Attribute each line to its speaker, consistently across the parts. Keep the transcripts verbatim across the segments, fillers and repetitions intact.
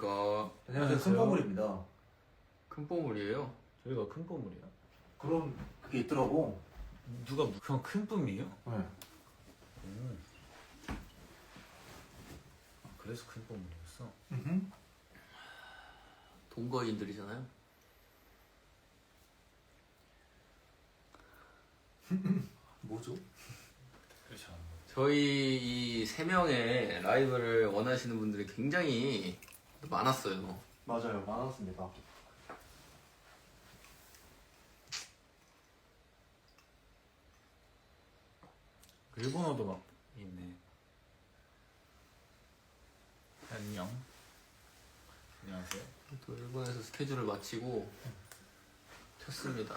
Speaker 1: 안녕하십니까.
Speaker 2: 안녕하세요. 큰 뽀물입니다.
Speaker 1: 큰 뽀물이에요?
Speaker 3: 저희가 큰 뿜물이야?
Speaker 2: 그런 그게 있더라고.
Speaker 3: 누가 형 큰 뿜이에요?
Speaker 2: 네.
Speaker 3: 음. 아, 그래서 큰 뿜물이었어?
Speaker 2: 음흠.
Speaker 1: 동거인들이잖아요.
Speaker 2: 뭐죠?
Speaker 3: 그렇지 않아.
Speaker 1: 저희 이 세 명의 라이브를 원하시는 분들이 굉장히 많았어요.
Speaker 2: 맞아요. 많았습니다.
Speaker 3: 일본어도 막 있네. 안녕. 안녕하세요.
Speaker 1: 또 일본에서 스케줄을 마치고 켰습니다.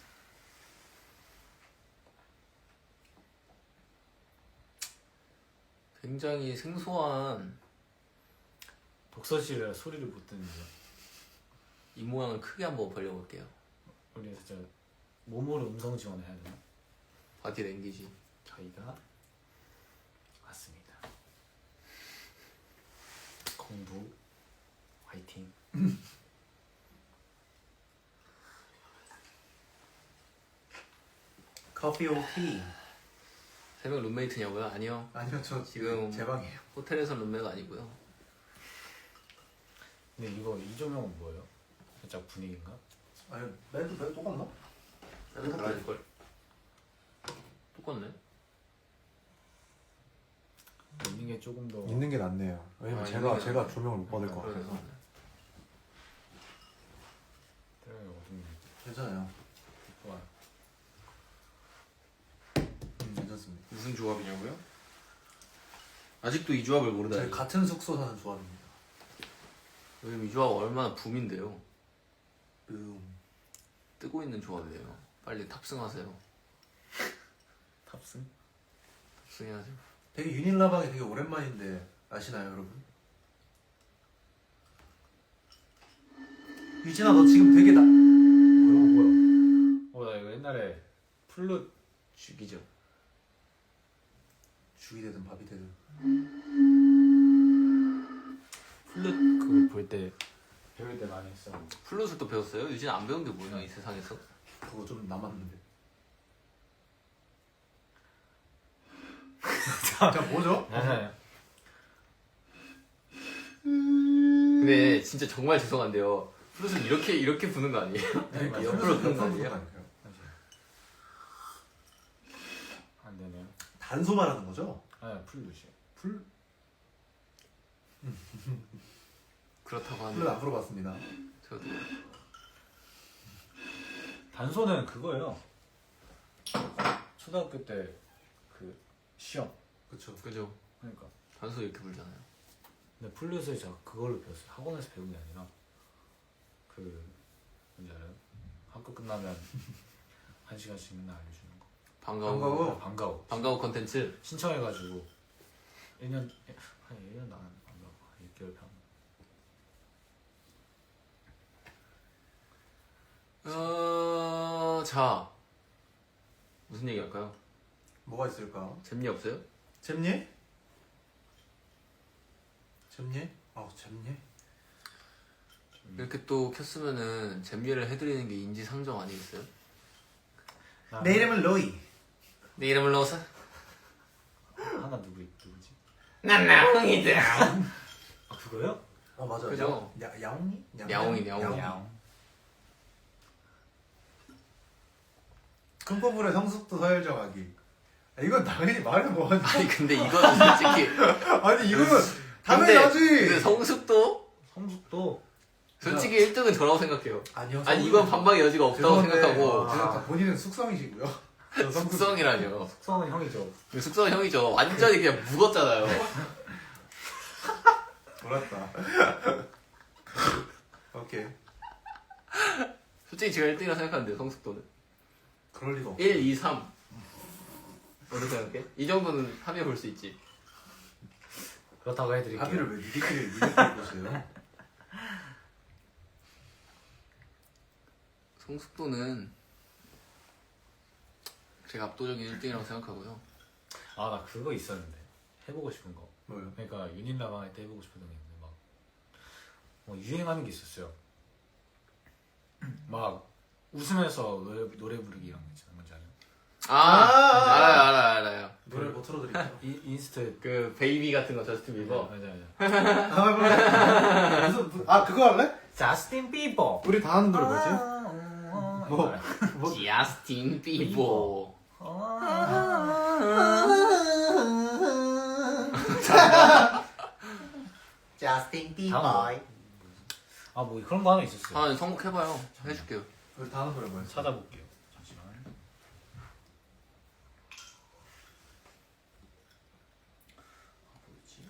Speaker 1: 굉장히 생소한
Speaker 3: 독서실에 소리를 못 듣는데
Speaker 1: 이 모양을 크게 한번 벌려볼게요.
Speaker 3: 우리 진짜 몸으로 음성 지원을 해야 되나?
Speaker 1: 바디 랭귀지.
Speaker 3: 저희가 왔습니다. 공부 화이팅.
Speaker 2: 커피 오 티.
Speaker 1: 세 명 룸메이트냐고요? 아니요.
Speaker 2: 아니요, 저
Speaker 1: 지금
Speaker 2: 제 방이에요.
Speaker 1: 호텔에서 룸메가 아니고요.
Speaker 3: 근데 이거 이 조명은 뭐예요? 살짝 분위기인가?
Speaker 2: 아니, 멘트 멘트 똑같나?
Speaker 1: 나는 달라질걸. 똑같네.
Speaker 3: 있는 게 조금 더
Speaker 2: 있는 게 낫네요. 왜냐면
Speaker 1: 아,
Speaker 2: 제가
Speaker 1: 있는 게
Speaker 2: 제가
Speaker 1: 낫네.
Speaker 2: 조명을 못 받을 것
Speaker 1: 그러네,
Speaker 2: 같아서.
Speaker 1: 그러네.
Speaker 3: 때려요. 어둡네.
Speaker 2: 괜찮아요.
Speaker 3: 좋아.
Speaker 2: 음, 괜찮습니다.
Speaker 1: 무슨 조합이냐고요? 아직도 이 조합을 모르다니.
Speaker 2: 저희 같은 숙소 사는 조합입니다.
Speaker 1: 요즘 이 조합 얼마나 붐인데요.
Speaker 2: 음.
Speaker 1: 뜨고 있는 조합이에요. 빨리 탑승하세요.
Speaker 3: 탑승?
Speaker 1: 탑승해야죠.
Speaker 2: 되게 유닛라방이 되게 오랜만인데 아시나요, 여러분? 유진아, 너 지금 되게 나.
Speaker 3: 뭐야 뭐야? 어 나 이거 옛날에 플룻
Speaker 1: 죽이죠.
Speaker 2: 죽이 되든 밥이 되든.
Speaker 1: 플룻
Speaker 3: 그거 볼 때 배울 때 많이 했어.
Speaker 1: 플룻을 또 배웠어요? 유진 안 배운 게 뭐야 이 세상에서?
Speaker 2: 그거 좀 남았는데. 자, 뭐죠?
Speaker 3: 맞아요.
Speaker 1: 근데 진짜 정말 죄송한데요. 플룻을 이렇게 이렇게 부는 거 아니에요?
Speaker 2: 그러니까
Speaker 1: 옆으로 부는 거
Speaker 2: 옆으로
Speaker 1: 아니에요?
Speaker 2: 아닐까요?
Speaker 3: 안 되네요.
Speaker 2: 단소 말하는 거죠?
Speaker 3: 아 플룻이요.
Speaker 2: 풀?
Speaker 1: 그렇다고
Speaker 2: 풀은
Speaker 1: 하네요.
Speaker 2: 안 풀어봤습니다.
Speaker 1: 저도
Speaker 3: 단소는 그거예요. 초등학교 때 그 시험.
Speaker 2: 그쵸.
Speaker 1: 그죠?
Speaker 3: 그러니까.
Speaker 1: 단소 이렇게 불잖아요.
Speaker 3: 근데 플룻을 제가 그걸로 배웠어요. 학원에서 배운 게 아니라 그 뭔지 알아요? 학교 끝나면 한 시간씩 맨날 알려주는 거.
Speaker 1: 방과후.
Speaker 2: 방과후?
Speaker 3: 아, 방과후.
Speaker 1: 방과후 컨텐츠.
Speaker 3: 신청해가지고 일 년 한 일 년 나는 방과후 육 개월 반.
Speaker 1: 어... 자 무슨 얘기 할까요?
Speaker 2: 뭐가 있을까?
Speaker 1: 재미 없어요?
Speaker 2: 잼예? 잼예? 아우, 잼예?
Speaker 1: 이렇게 또 켰으면은 잼예를 해드리는 게 인지상정 아니겠어요?
Speaker 3: 나
Speaker 2: 내 이름은 로이.
Speaker 1: 내 이름을 넣어서
Speaker 3: 하나 누구 누구지?
Speaker 1: 난 나홍이다.
Speaker 3: 아 그거요?
Speaker 2: 어, 맞아요.
Speaker 1: 그죠?
Speaker 2: 야, 야, 야옹이?
Speaker 1: 야옹이, 야옹이.
Speaker 3: 야옹.
Speaker 2: 큰뽀물의 성숙도 서열정하기. 아, 이건 당연히 말을 뭐하지.
Speaker 1: 아니 근데 이거는 솔직히
Speaker 2: 아니, 이거는
Speaker 1: 근데,
Speaker 2: 당연하지.
Speaker 1: 근데 성숙도
Speaker 3: 성숙도
Speaker 1: 솔직히 일 등은 저라고 생각해요.
Speaker 2: 아니요.
Speaker 1: 아니 이건 반박의 여지가 없다고
Speaker 2: 죄송한데,
Speaker 1: 생각하고
Speaker 2: 아, 다 본인은 숙성이시고요. 저 성숙.
Speaker 1: 숙성이라뇨.
Speaker 3: 숙성은 형이죠.
Speaker 1: 숙성은 형이죠. 완전히 그냥 묵었잖아요.
Speaker 2: 몰랐다. 오케이.
Speaker 1: 솔직히 제가 일 등이라고 생각하는데 성숙도는
Speaker 2: 그럴 리가 없어.
Speaker 1: 일, 이, 삼 어떻게 생각해? 이 정도는 합의해 볼 수 있지.
Speaker 3: 그렇다고 해드릴게요.
Speaker 2: 합의를 왜 니들끼리 니들끼리 보세요?
Speaker 1: 성숙도는 제가 압도적인 일 등이라고 생각하고요.
Speaker 3: 아 나 그거 있었는데 해보고 싶은 거.
Speaker 2: 뭐요?
Speaker 3: 그러니까 유닛 라방 할 때 해보고 싶었던 게 있는데 막 뭐 유행하는 게 있었어요. 막 웃으면서 노래, 노래 부르기 이런 거 있잖아요. 뭔지 알아요?
Speaker 1: 아,
Speaker 2: 아,
Speaker 1: 알아요, 알아요, 알아요.
Speaker 2: 노래 못 틀어드릴게요.
Speaker 3: 인, 인스트
Speaker 1: 그 베이비 같은 거 저스틴 비버.
Speaker 3: 맞아 맞아.
Speaker 2: 아, 뭐야. 무슨, 무슨- 아, 그거 할래?
Speaker 3: 자스틴 비버.
Speaker 2: 우리 다 하는 노래 뭐지?
Speaker 3: 뭐?
Speaker 2: 뭐, 뭐,
Speaker 1: 저스틴 비버.
Speaker 2: 자스틴
Speaker 3: 비버. 아뭐 그런 거 하나 있었어요.
Speaker 1: 아, 성공해봐요. 해줄게요.
Speaker 2: 우리 다 하는 노래 뭐였어?
Speaker 3: 찾아볼게요. 잠시만. 뭐였지?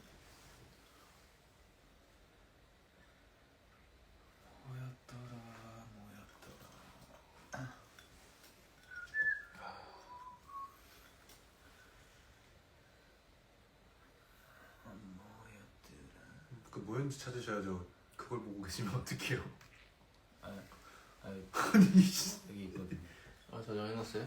Speaker 3: 뭐였더라, 뭐였더라.
Speaker 2: 그 뭐였는지 찾으셔야죠. 그걸 보고 계시면 어떡해요.
Speaker 3: 아, 아니,
Speaker 2: 아니, 씨.
Speaker 3: 여기 있거든요.
Speaker 1: 아, 저장해놨어요?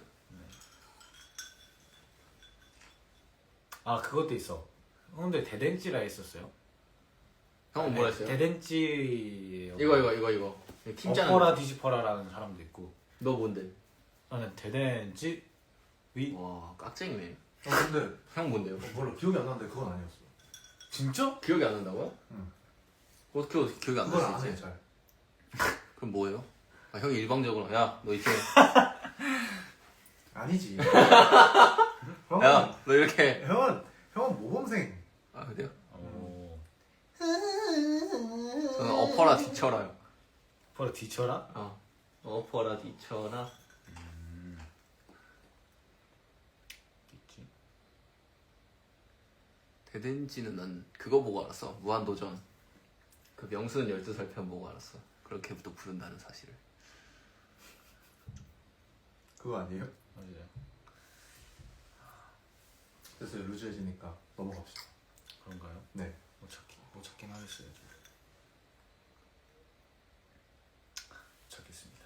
Speaker 3: 아 그것도 있어. 근데 대댄지라 했었어요.
Speaker 1: 형은 뭐라 했어요?
Speaker 3: 대댄지
Speaker 1: 이거, 이거, 이거, 이거. 팀 짜는
Speaker 3: 엎어라
Speaker 1: 거.
Speaker 3: 뒤집어라라는 사람도 있고.
Speaker 1: 너 뭔데?
Speaker 3: 나는 대댄지 위.
Speaker 1: 와, 깍쟁이네.
Speaker 2: 어, 근데,
Speaker 1: 형 뭔데요?
Speaker 2: 어, 몰라. 기억이 안 나는데 그건 아니었어.
Speaker 3: 진짜?
Speaker 1: 기억이 안 난다고요?
Speaker 2: 응.
Speaker 1: 어떻게 기억이 안
Speaker 2: 그건
Speaker 1: 날
Speaker 2: 안
Speaker 1: 수
Speaker 2: 해,
Speaker 1: 있지?
Speaker 2: 잘.
Speaker 1: 그럼 뭐예요? 아, 형이 일방적으로 야, 너 이렇게
Speaker 2: 아니지. 형은,
Speaker 1: 야, 너 이렇게
Speaker 2: 형은, 형은 모범생.
Speaker 1: 아, 그래요?
Speaker 3: 오.
Speaker 1: 저는 엎어라 뒤쳐라요.
Speaker 3: 엎어라 뒤쳐라?
Speaker 1: 어. 엎어라 뒤쳐라.
Speaker 3: 있지.
Speaker 1: 대댄지는 난 그거 보고 알았어. 무한도전. 그 명수는 열두 살 편 보고 알았어. 그렇게부터 부른다는 사실을.
Speaker 2: 그거 아니에요?
Speaker 3: 맞아요.
Speaker 2: 됐어요. 루즈해지니까 넘어갑시다.
Speaker 3: 그런가요?
Speaker 2: 네.
Speaker 3: 못 찾긴 못 찾긴 하겠어요. 좀. 못 찾겠습니다.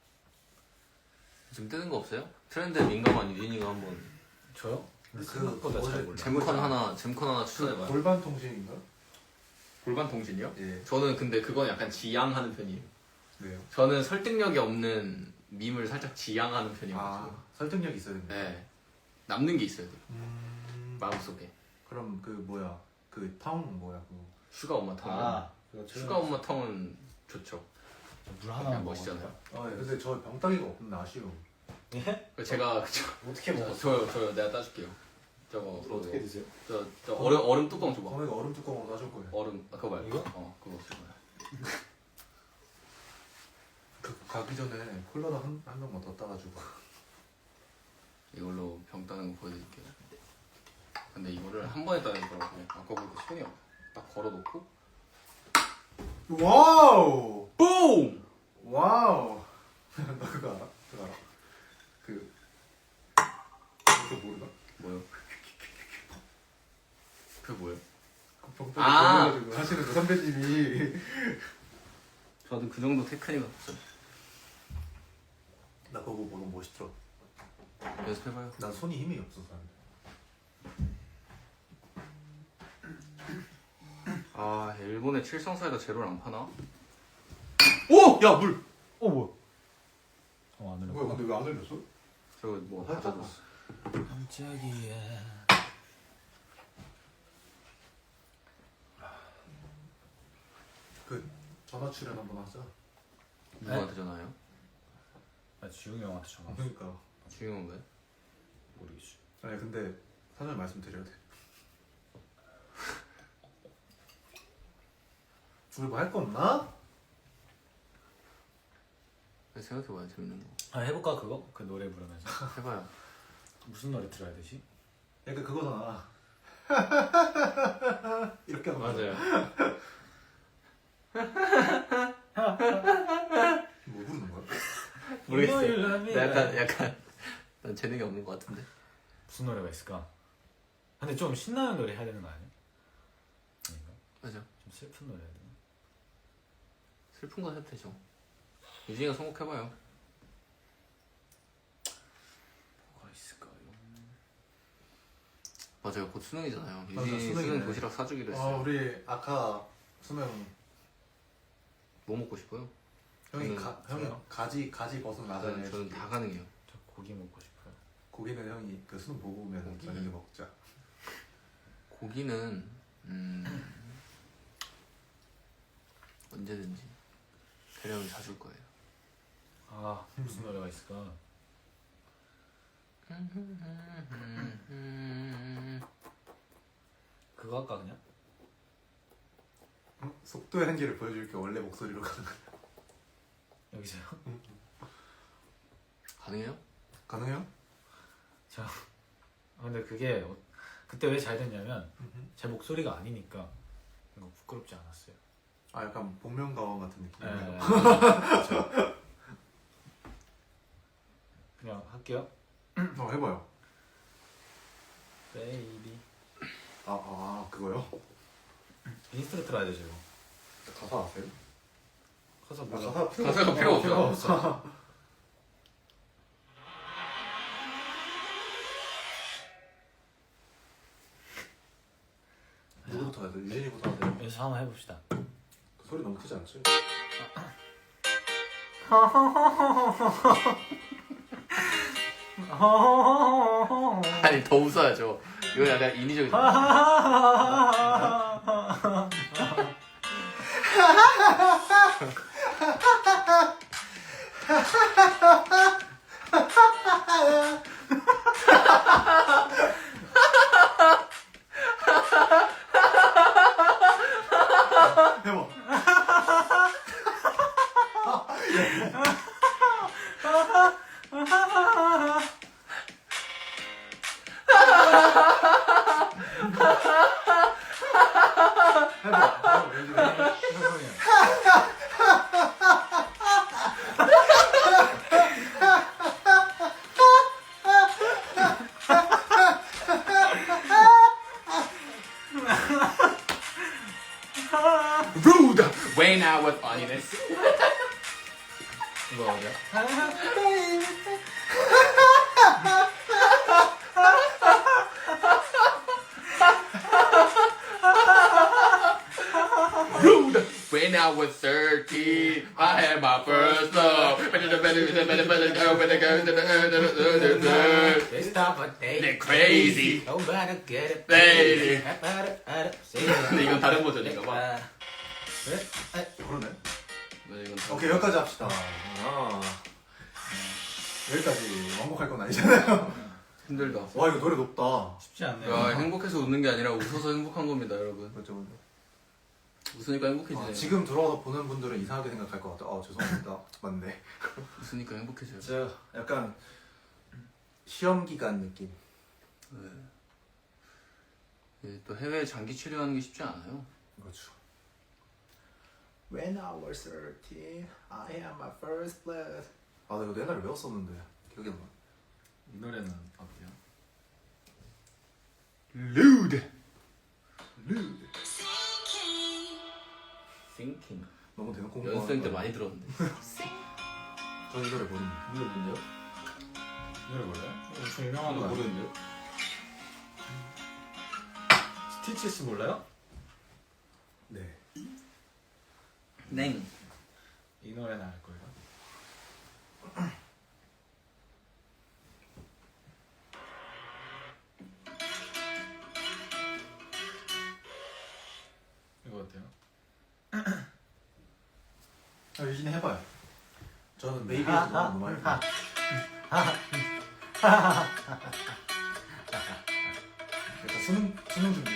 Speaker 1: 지금 뜨는 거 없어요? 트렌드에 민감한 유진이가 한번
Speaker 3: 저요?
Speaker 2: 그-
Speaker 3: 생각보다
Speaker 2: 그
Speaker 3: 잘
Speaker 2: 원래
Speaker 3: 몰라.
Speaker 1: 잼컨 하나 잼컨 하나 추천해봐요.
Speaker 2: 골반 통신인가?
Speaker 1: 골반 통신이요?
Speaker 2: 예.
Speaker 1: 저는 근데 그건 약간 지양하는 편이에요.
Speaker 2: 왜요?
Speaker 1: 저는 설득력이 없는 밈을 살짝 지양하는
Speaker 2: 아,
Speaker 1: 편이어가지고.
Speaker 2: 설득력 있어야 됩니다.
Speaker 1: 네. 남는 게 있어야 돼.
Speaker 2: 음,
Speaker 1: 마음속에.
Speaker 2: 그럼 그 뭐야? 그 텅 뭐야? 그
Speaker 1: 슈가 엄마 텅.
Speaker 3: 아, 그거
Speaker 1: 슈가 엄마 텅은 좋죠.
Speaker 3: 물 하나
Speaker 1: 그냥 멋있잖아요.
Speaker 2: 아, 예. 근데 저 병따기가 없는데 아쉬워.
Speaker 3: 예?
Speaker 1: 그 제가 저,
Speaker 3: 어떻게
Speaker 1: 저, 저요 저요 내가 따줄게요. 저거 그거.
Speaker 3: 어떻게 드세요?
Speaker 1: 저, 저 얼음 얼음 뚜껑 줘봐.
Speaker 2: 거기가 얼음 뚜껑으로 따줄 거예요.
Speaker 1: 얼음 아, 그거 말고.
Speaker 3: 이거?
Speaker 1: 어 그거 줄 거야.
Speaker 2: 그 가기 전에 콜라도 한, 한 병만 더 따가지고.
Speaker 1: 이걸로 병 따는 거 보여드릴게요. 근데 이거를 한 번에 따는 거라고 아까 보니까 손이 딱 걸어놓고
Speaker 2: 와우!
Speaker 1: 뿡!
Speaker 2: 와우! 너 그거 알아? 그거 알아? 그 그거 모르나?
Speaker 1: 뭐요? 그게 뭐예요?
Speaker 2: 그 병따기
Speaker 1: 아!
Speaker 2: 걸려가지고 하시는 그 선배님이
Speaker 1: 저도 그 정도 테크닉은 없어요.
Speaker 2: 나 그거 보고 멋있더라.
Speaker 1: 연습해봐요.
Speaker 2: 난 손이 힘이 없어서.
Speaker 1: 아 일본에 칠성사이다 제로를 안 파나? 오! 야 물!
Speaker 3: 어 뭐야? 어안 흘려.
Speaker 2: 뭐야 근데 왜 안 흘렸어?
Speaker 1: 저거 뭐
Speaker 2: 아,
Speaker 1: 닫아줬어.
Speaker 3: 깜짝이야.
Speaker 2: 그 전화 출연 한번 하자.
Speaker 1: 누구한테 전화해요?
Speaker 3: 나 지웅이 형한테 전화 왔어.
Speaker 2: 그러니까.
Speaker 1: 중요한 거예요?
Speaker 3: 모르겠어.
Speaker 2: 아니 근데 사전에 말씀드려야 돼. 우리 뭐 할 거 없나?
Speaker 1: 생각해봐요 재밌는 거.
Speaker 3: 아 해볼까 그거? 그 노래 부르면서
Speaker 1: 해봐요.
Speaker 3: 무슨 노래 들어야 되지?
Speaker 2: 약간 그거잖아. 이렇게 하는 거.
Speaker 1: 맞아요.
Speaker 2: 뭐 부르는 거야?
Speaker 1: 모르겠어요. 나 약간 약간 난 재능이 없는 것 같은데.
Speaker 3: 무슨 노래가 있을까? 근데 좀 신나는 노래 해야 되는 거 아니야? 아닌가?
Speaker 1: 맞아.
Speaker 3: 좀 슬픈 노래 해야 되나?
Speaker 1: 슬픈 거 해도 되죠. 유진이가 선곡해봐요.
Speaker 3: 뭐가 있을까요?
Speaker 1: 맞아요. 곧 수능이잖아요.
Speaker 2: 맞아,
Speaker 1: 유진이
Speaker 2: 수능이네.
Speaker 1: 수능 도시락 사주기로
Speaker 2: 아
Speaker 1: 했어요.
Speaker 2: 우리 아까 수능
Speaker 1: 뭐 먹고 싶어요?
Speaker 2: 형이
Speaker 1: 저는-
Speaker 2: 가, 형이
Speaker 3: 저요?
Speaker 2: 가지 가지 버섯
Speaker 1: 저는,
Speaker 2: 나잖아요.
Speaker 1: 저는 다 가능해요.
Speaker 3: 저 고기 먹고 싶어요.
Speaker 2: 고기는 형이 그 수능 보고 오면
Speaker 1: 고기?
Speaker 2: 저녁에 먹자.
Speaker 1: 고기는 음, 언제든지 대령이 사줄 거예요.
Speaker 3: 아 무슨 노래가 있을까? 그거 할까 그냥?
Speaker 2: 응? 속도의 한계를 보여줄게. 원래 목소리로 가는 거.
Speaker 3: 여기서요?
Speaker 1: 가능해요?
Speaker 2: 가능해요?
Speaker 3: 자, 아, 근데 그게 어- 그때 왜 잘 됐냐면 제 목소리가 아니니까 이거 부끄럽지 않았어요.
Speaker 2: 아 약간 복면가왕 같은 느낌.
Speaker 3: 네, 그렇죠. 그냥 할게요.
Speaker 2: 어 해봐요.
Speaker 3: 베이비.
Speaker 2: 아, 아 그거요?
Speaker 3: 인스트로 틀어야 되죠 이거.
Speaker 2: 가사 아세요?
Speaker 3: 가사
Speaker 2: 아,
Speaker 3: 몰라.
Speaker 2: 가사 필요
Speaker 1: 가사가
Speaker 2: 없어.
Speaker 1: 필요
Speaker 2: 어,
Speaker 1: 없어.
Speaker 3: 없어.
Speaker 2: 누구부터 해야 돼? 유진이부터 하세요.
Speaker 3: 여기서 한번 해봅시다.
Speaker 2: 그 소리 너무 크지 않죠?
Speaker 1: 아니 더 웃어야죠. 이거 약간 인위적이죠.
Speaker 2: 해봐. 해봐. 해봐. 유진이.
Speaker 1: Rude when I was on it.
Speaker 3: 이거 어디야?
Speaker 1: Rude when I was thirteen. I had my first love.
Speaker 3: They stop a day.
Speaker 1: They're crazy.
Speaker 3: Nobody get it.
Speaker 1: Baby.
Speaker 3: 근데
Speaker 1: 근데 이건 다른 버전인가 봐.
Speaker 3: 그래?
Speaker 2: 그러네.
Speaker 1: 네, 이건 다른
Speaker 2: 오케이 여기까지 합시다. 아. 여기까지 완곡할 건 아니잖아요.
Speaker 1: 힘들다.
Speaker 2: 와 이거 노래 높다.
Speaker 3: 쉽지 않네요.
Speaker 1: 야, 행복해서 웃는 게 아니라 웃어서 행복한 겁니다, 여러분.
Speaker 2: 맞죠, 맞죠.
Speaker 1: 웃으니까 행복해지네요.
Speaker 2: 아, 지금 들어와서 보는 분들은 이상하게 생각할 것 같아. 아 죄송합니다. 맞네.
Speaker 1: 웃으니까 행복해져요.
Speaker 2: 저 약간 시험 기간 느낌.
Speaker 1: 네. 예, 또 해외 장기 체류하는 게 쉽지 않아요.
Speaker 2: 그렇죠. When I was thirteen, I had my first blood. 아, 나 이거 옛날에 외웠었는데 기억이 안 나.
Speaker 3: 이 노래는 어때요?
Speaker 1: Rude.
Speaker 2: Rude.
Speaker 1: Thinking.
Speaker 2: 너무 대놓고
Speaker 1: 연습생 때 많이 들었는데.
Speaker 2: 저이 노래 모르는.
Speaker 3: 이 노래 뭔데요? 이 노래 몰라요? 엄청 유명한 거
Speaker 1: 모르는데요?
Speaker 3: 스티치스 몰라요?
Speaker 2: 네.
Speaker 1: 냉.
Speaker 3: 이 노래는 알 거예요. 이거 어때요?
Speaker 2: 아, 유진이 해봐요. 저는 베이비에서 너무 많이. 약간 수능 수능 준비.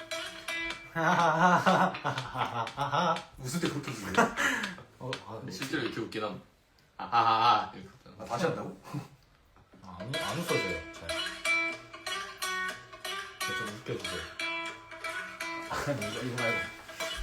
Speaker 2: 웃을 때 그렇게 웃어요.
Speaker 3: 어, 아,
Speaker 1: 근데 실제로 이렇게 웃긴 함. 아하하하. 이렇게 웃잖아.
Speaker 2: 아, 다시 한다고?
Speaker 3: 아, 안, 안 웃어져요. 잘. 네, 좀 웃겨주세요. 아, 이거, 이거 말고.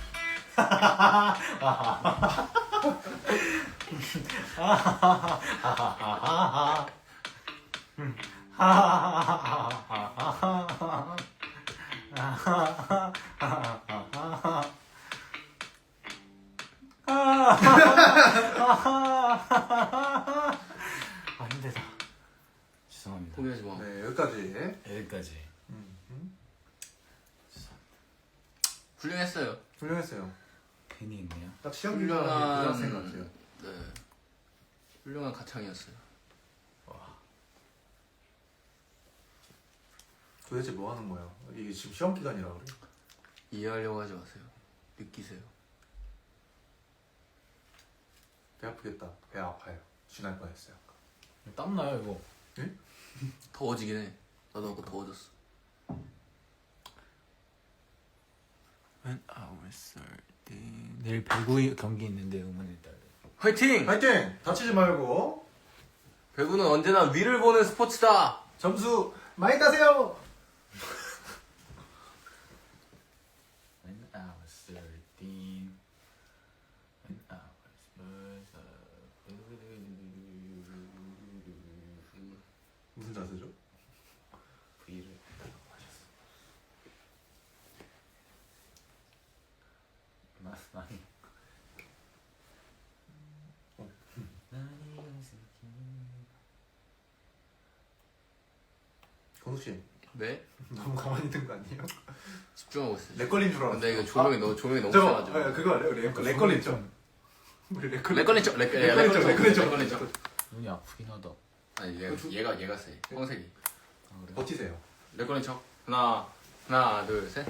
Speaker 3: 아 힘들다. 죄송합니다.
Speaker 1: 포기하지 마.
Speaker 2: 네 여기까지.
Speaker 3: 여기까지.
Speaker 2: 음, 음.
Speaker 1: 훌륭했어요.
Speaker 2: 훌륭했어요.
Speaker 3: 괜히 있네요.
Speaker 2: 딱 시험 기간이 고등학생 같아요.
Speaker 1: 네. 훌륭한 가창이었어요.
Speaker 2: 도대체 뭐 하는 거야? 이게 지금 시험 기간이라 그래?
Speaker 1: 이해하려고 하지 마세요. 느끼세요.
Speaker 2: 배 아프겠다. 배 아파요. 쥐날 뻔했어요.
Speaker 3: 땀 나요 이거.
Speaker 1: 더워지긴 해. 나도 아까 더워졌어. When I was thirteen.
Speaker 3: 내일 배구 경기 있는데 응원해 달래.
Speaker 1: 화이팅!
Speaker 2: 파이팅! 다치지 말고
Speaker 1: 배구는 언제나 위를 보는 스포츠다.
Speaker 2: 점수 많이 따세요.
Speaker 3: When I was thirteen. When I was
Speaker 2: 무슨 자세죠?
Speaker 3: V를 달라고 하셨어. 나 나니.
Speaker 2: 어. 건우 씨
Speaker 1: 네?
Speaker 2: 너무 가만히 있는 거 아니에요?
Speaker 1: 집중하고 있어요.
Speaker 2: 렉 걸린 줄 알았어.
Speaker 1: 근데 이거 조명이 너무 조명이 너무
Speaker 2: 저거
Speaker 1: 세가지고.
Speaker 2: 아, 그거 알아요? 렉, 렉 걸렸죠? 우리 렉 걸렸.
Speaker 1: 렉 걸린 척, 렉
Speaker 2: 렉 걸린 척, 렉 걸린 척.
Speaker 1: 걸린 척.
Speaker 3: 눈이 아프긴 하다.
Speaker 1: 아니 얘가 얘가 얘가 세. 황색이.
Speaker 3: 아 그래?
Speaker 2: 버티세요.
Speaker 1: 렉 걸린 척. 하나 하나 둘 셋.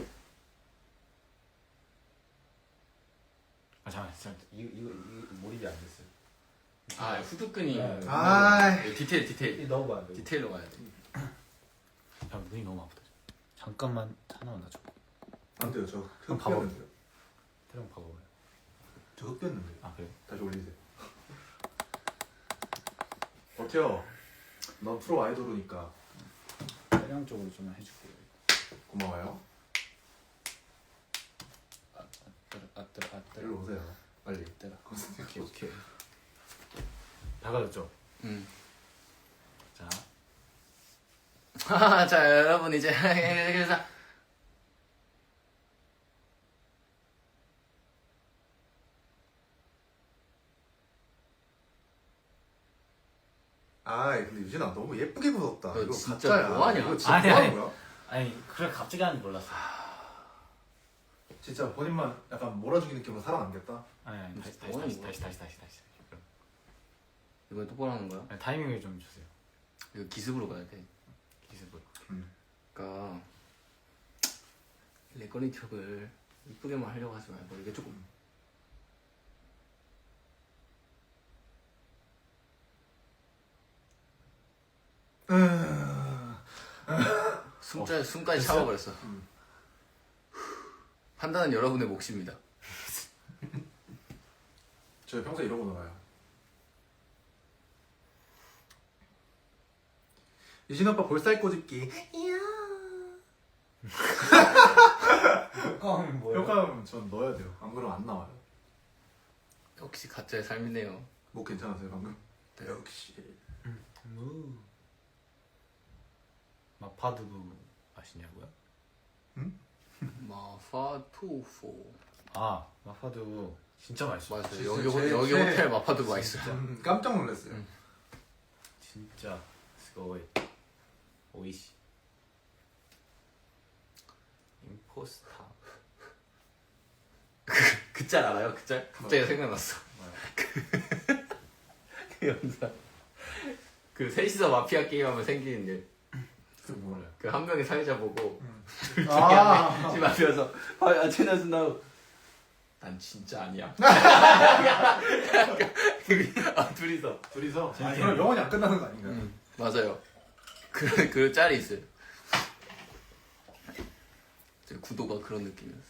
Speaker 3: 아 잠깐 잠깐 이거 이거 이거 몰입이 안 됐어요.
Speaker 1: 아 후드끈이.
Speaker 3: 네.
Speaker 2: 아이.
Speaker 1: 이 디테일 디테일
Speaker 3: 이 넣어봐. 돼.
Speaker 1: 디테일로 가야 돼.
Speaker 3: 야 눈이 너무 아프다. 잠깐만 하나만 놔줘.
Speaker 2: 안 돼요. 저
Speaker 3: 그럼
Speaker 2: 흑
Speaker 3: 봐봐.
Speaker 2: 뺐는데요.
Speaker 3: 태령 봐봐요.
Speaker 2: 저 흑 뺐는데요.
Speaker 3: 아 그래?
Speaker 2: 다시 올리세요. 버텨. 넌 프로 아이돌이니까
Speaker 3: 태령 쪽으로 좀 해줄게요.
Speaker 2: 고마워요.
Speaker 3: 아뜨 아뜨 아뜨.
Speaker 2: 일로 오세요. 빨리.
Speaker 3: 때라. 오케이 오케이. 다가졌죠?
Speaker 1: 음.
Speaker 3: 자.
Speaker 1: 하하, 자 여러분 이제 그래서
Speaker 2: 아이 근데 유진아 너무 예쁘게 굳었다.
Speaker 1: 너
Speaker 2: 이거
Speaker 1: 진짜
Speaker 2: 가짜야.
Speaker 1: 뭐하냐?
Speaker 2: 이거 진짜
Speaker 3: 아니,
Speaker 2: 뭐
Speaker 3: 아니.
Speaker 2: 하는 거야?
Speaker 3: 아니 그래 갑자기 하는 줄 몰랐어.
Speaker 2: 진짜 본인만 약간 몰아주기 느낌으로 살아남겠다.
Speaker 3: 아니 아니 다시 다시
Speaker 1: 뭐하는
Speaker 3: 다시
Speaker 1: 거야?
Speaker 3: 다시 다시 다시 다시. 그럼.
Speaker 1: 이번에 똑바로 하는 거야?
Speaker 3: 아니, 타이밍을 좀 주세요.
Speaker 1: 이거 기습으로 가야 돼.
Speaker 3: 기습을.
Speaker 1: 그러니까 렉걸린 척을 이쁘게만 하려고 하지 말고 이게 조금
Speaker 2: 음.
Speaker 1: 숨까지 숨까지 참아버렸어.
Speaker 2: 음.
Speaker 1: 판단은 여러분의 몫입니다.
Speaker 2: 저 평소에 이러고 놀아요. 유진 오빠 볼살 꼬집기.
Speaker 3: 효과음이 뭐예요?
Speaker 2: 효과음 전 넣어야 돼요. 안 그러면 안 나와요.
Speaker 1: 역시 가짜의 삶이네요.
Speaker 2: 목 괜찮으세요 방금?
Speaker 1: 네.
Speaker 2: 역시.
Speaker 3: 무. 마파두부 아시냐고요?
Speaker 1: 마파두포
Speaker 3: 아 마파두부 진짜 맛있어.
Speaker 1: 맛있어요.
Speaker 2: 진짜
Speaker 1: 여기 호-
Speaker 2: 제-
Speaker 1: 여기
Speaker 2: 제-
Speaker 1: 호텔 마파두부 맛있어요.
Speaker 2: 음, 깜짝 놀랐어요.
Speaker 1: 음.
Speaker 3: 진짜 스고이 오이시 임포스타.
Speaker 1: 그 짤 알아요? 그 짤? 갑자기
Speaker 2: 뭐요?
Speaker 1: 생각났어.
Speaker 3: 뭐야?
Speaker 1: 그 영상. 그 셋이서 마피아 게임하면 생기는 일.
Speaker 2: 그 뭐야?
Speaker 1: 그 한 명이 사회자 보고
Speaker 2: 음.
Speaker 1: 둘 중에
Speaker 2: 아.
Speaker 1: 한 명이 집 앞에서 아, 채널 나고 난 진짜 아니야. 아, 둘이서.
Speaker 2: 둘이서. 아,
Speaker 3: 재밌게
Speaker 2: 그럼 영원히 안 끝나는 거 아닌가요?
Speaker 1: 음, 맞아요. 그, 그 짤이 있어요. 제 구도가 그런 느낌이었어.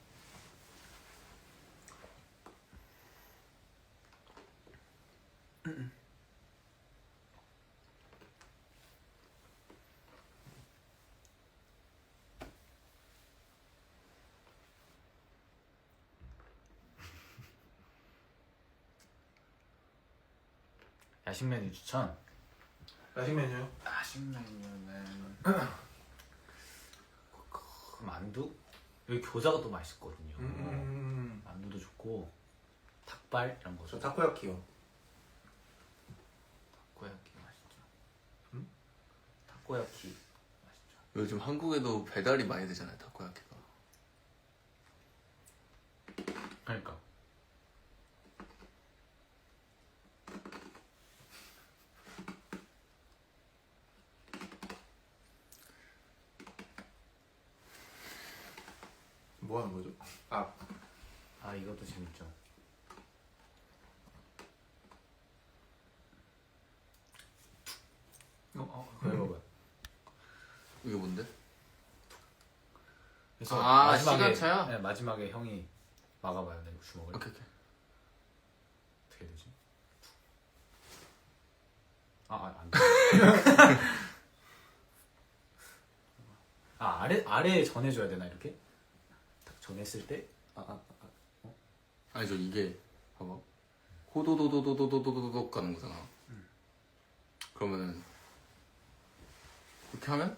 Speaker 3: 야식 메뉴 추천.
Speaker 2: 야식 메뉴.
Speaker 3: 야식 메뉴는 그 만두? 여기 교자가 또 맛있거든요.
Speaker 2: 음.
Speaker 3: 만두도 좋고 닭발 이런 거.
Speaker 2: 저 타코야키요.
Speaker 3: 타코야키 맛있죠.
Speaker 2: 음?
Speaker 3: 타코야키 맛있죠.
Speaker 1: 요즘 한국에도 배달이 많이 되잖아요, 타코야키가.
Speaker 3: 그러니까
Speaker 2: 뭐 하는 거죠? 아,
Speaker 3: 아 이것도 재밌죠. 어, 어, 그거 해봐봐요.
Speaker 1: 이게 뭔데?
Speaker 3: 그래서
Speaker 1: 아,
Speaker 3: 마지막에,
Speaker 1: 시간차야?
Speaker 3: 네, 마지막에 형이 막아봐요, 내 주먹을.
Speaker 1: 오케이 오케이.
Speaker 3: 어떻게 되지? 아, 아, 안 돼. 아, 아래 아래에 전해줘야 되나 이렇게? 딱 전했을 때, 아, 아, 아, 어?
Speaker 1: 아니 저 이게 봐봐. 호도도도도도도도도도 가는 거잖아. 그러면은 그렇게 하면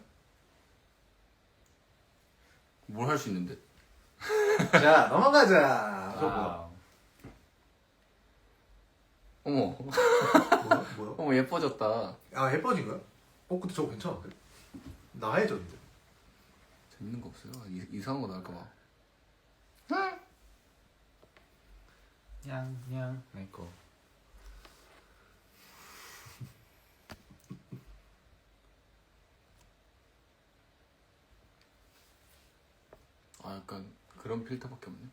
Speaker 1: 뭘 할 수 있는데?
Speaker 2: 자 넘어가자.
Speaker 3: 아,
Speaker 1: 어머
Speaker 2: 뭐야? 뭐야?
Speaker 1: 어머 예뻐졌다.
Speaker 2: 아 예뻐진 거야? 어 근데 저거 괜찮은데? 나해졌는데?
Speaker 1: 재밌는 거 없어요? 이, 이상한 거 나올까 봐.
Speaker 3: 냥냥 내 거.
Speaker 1: 아 약간 그런 필터밖에 없네.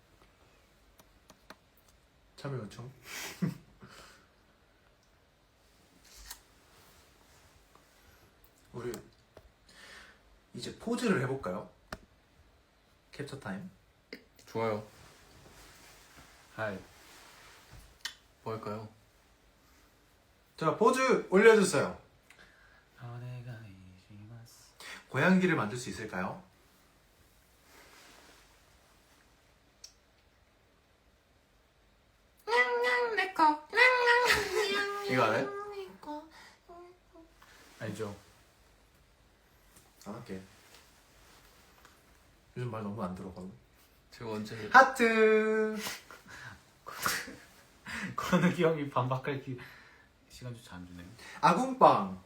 Speaker 2: 참여 요청. 우리 이제 포즈를 해볼까요? 캡처 타임.
Speaker 1: 좋아요.
Speaker 3: 하이.
Speaker 1: 뭐 할까요?
Speaker 2: 자 포즈 올려주세요. 고양이를 만들 수 있을까요?
Speaker 1: 이거 알아요?
Speaker 3: 알죠?
Speaker 2: 안 할게. 요즘 말 너무 안 들어가고.
Speaker 1: 제가 언제
Speaker 2: 하트.
Speaker 3: 건욱이 형이 반박할 기 시간조차 안 주네요.
Speaker 2: 아궁빵.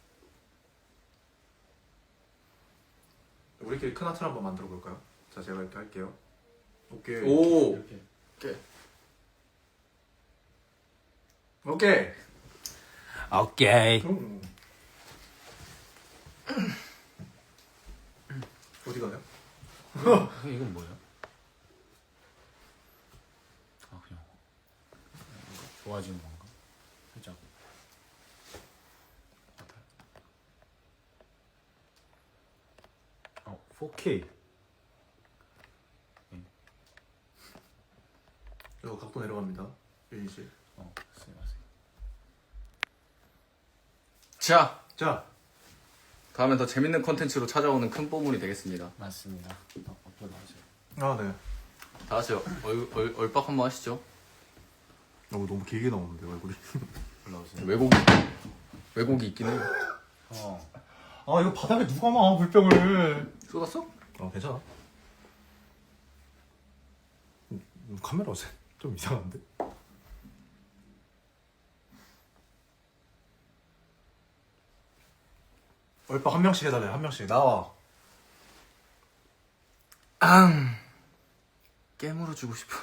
Speaker 2: 우리끼리 큰 하트를 한번 만들어 볼까요? 자 제가 이렇게 할게요. 오케이.
Speaker 1: 오
Speaker 3: 이렇게.
Speaker 1: 오케이.
Speaker 2: 오케이.
Speaker 3: 오케이.
Speaker 2: 음. 어디 가요?
Speaker 3: 이건 뭐야? 아 그냥 이거 좋아지는 건가? 살짝. 어 포케이.
Speaker 2: 이거 각도 내려갑니다. 유진 씨.
Speaker 3: 어 쓰세요.
Speaker 1: 자
Speaker 2: 자
Speaker 1: 다음엔 더 재밌는 컨텐츠로 찾아오는 큰 뽀문이 되겠습니다.
Speaker 3: 맞습니다. 어, 업로드 하세요.
Speaker 2: 아 네.
Speaker 1: 다 같이 얼, 얼, 얼빡 한번 하시죠.
Speaker 2: 너무 너무 길게 나오는데 얼굴이.
Speaker 3: 올라오세요.
Speaker 1: 왜곡이 왜곡이 있긴 해요.
Speaker 3: 어.
Speaker 2: 아 이거 바닥에 누가 놔 물병을.
Speaker 1: 쏟았어?
Speaker 2: 어 괜찮아. 음, 음, 카메라 좀 이상한데? 얼빠 한 명씩 해달래. 한 명씩 나와.
Speaker 1: 앙 깨물어 주고 싶어.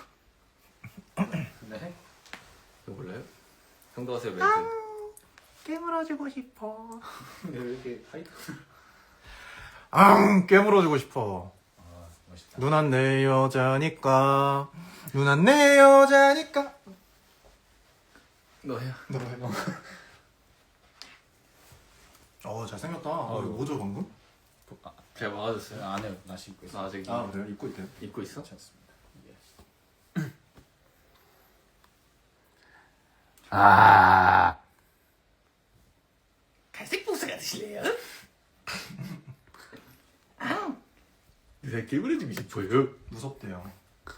Speaker 3: 네.
Speaker 1: 이거 몰라요? 형도 하세요 멘트.
Speaker 2: 깨물어주고 싶어.
Speaker 3: 왜 이렇게 하이트?
Speaker 2: 앙 깨물어주고 싶어.
Speaker 3: 아 멋있다.
Speaker 2: 누난 내 여자니까. 누난 내 여자니까.
Speaker 1: 너 해요.
Speaker 2: 너 해. 어 잘생겼다. 어, 이거 뭐죠 방금?
Speaker 1: 제가 막아줬어요.
Speaker 3: 안 해요. 나 신고 있어.
Speaker 1: 나 아직
Speaker 2: 아 그래요? 입고 있대요.
Speaker 1: 입고 있어?
Speaker 3: 괜찮습니다. 예. 아. 갈색 복숭아 드실래요?
Speaker 1: 내가 깨물어주고 싶어요.
Speaker 2: 무섭대요.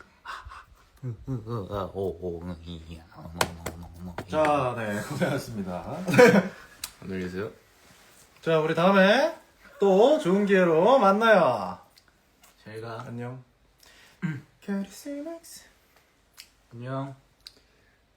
Speaker 3: 오오이야.
Speaker 2: 자, 네 고생하셨습니다.
Speaker 1: 안녕히 계세요.
Speaker 2: 자, 우리 다음에 또 좋은 기회로 만나요.
Speaker 3: 제가
Speaker 2: 안녕. 캐리스맥스.
Speaker 3: 안녕.